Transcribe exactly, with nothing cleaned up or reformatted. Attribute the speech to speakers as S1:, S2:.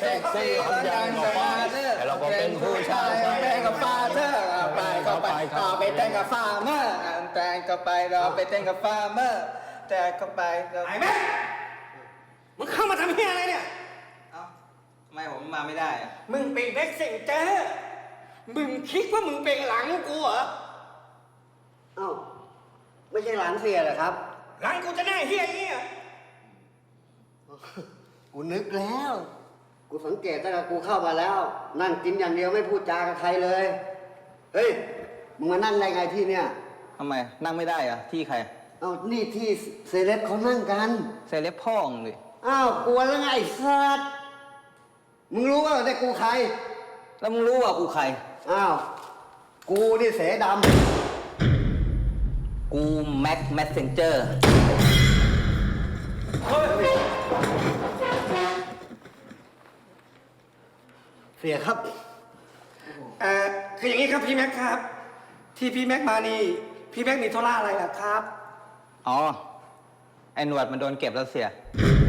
S1: ซ็กซี่คนยังกับฟาเธอเราก็เป็นผู้ชายแต่งกับฟาเธอไปก็ไปก็ไปแต่งกับฟาร์เมอร์แต่งก็ไปเราไปแต่งกับฟาร์เมอร์แต่งก็ไปเราไอ้แม่มึงเข้ามาทำเฮียอะไรเนี่ยเอ้าทำไมผมมาไม่ได้อะมึงเป็นแบ็คเซนเจอร์มึงคิดว่ามึงเป็นหลังกูเหรอ
S2: เอ้าไม่ใช่หลานเสียเหรอครับ
S1: หลังกูจะหน้าเฮียอย่างนี้เหรอ
S2: กูนึกแล้วกูสังเกตตั้งแต่กูเข้ามาแล้วนั่งกินอย่างเดียวไม่พูดจากับใครเลยเฮ้ยมึงมานั่งได้ไงที่เนี่ย
S1: ทำไมนั่งไม่ได้อะที่ใคร
S2: เอ้านี่ที่เซเลบเขานั่งกัน
S1: เซเลบพ่องเลย
S2: อ้าวกลัวแล้วไงไอ้สัตว์มึงรู้ว่าแต่กูใคร
S1: แล้วมึงรู้ว่ากูใคร
S2: อ้าวกูนี่เสด
S1: ำกูแม็กแมสเซนเจอร์
S2: เสียครับ
S3: เอ่อคืออย่างนี้ครับพี่แม็กครับที่พี่แม็กมานี่พี่แม็กมีธุระอะไรล่ะครับ
S1: อ๋อไอ้หนวดมันโดนเก็บแล้วเสีย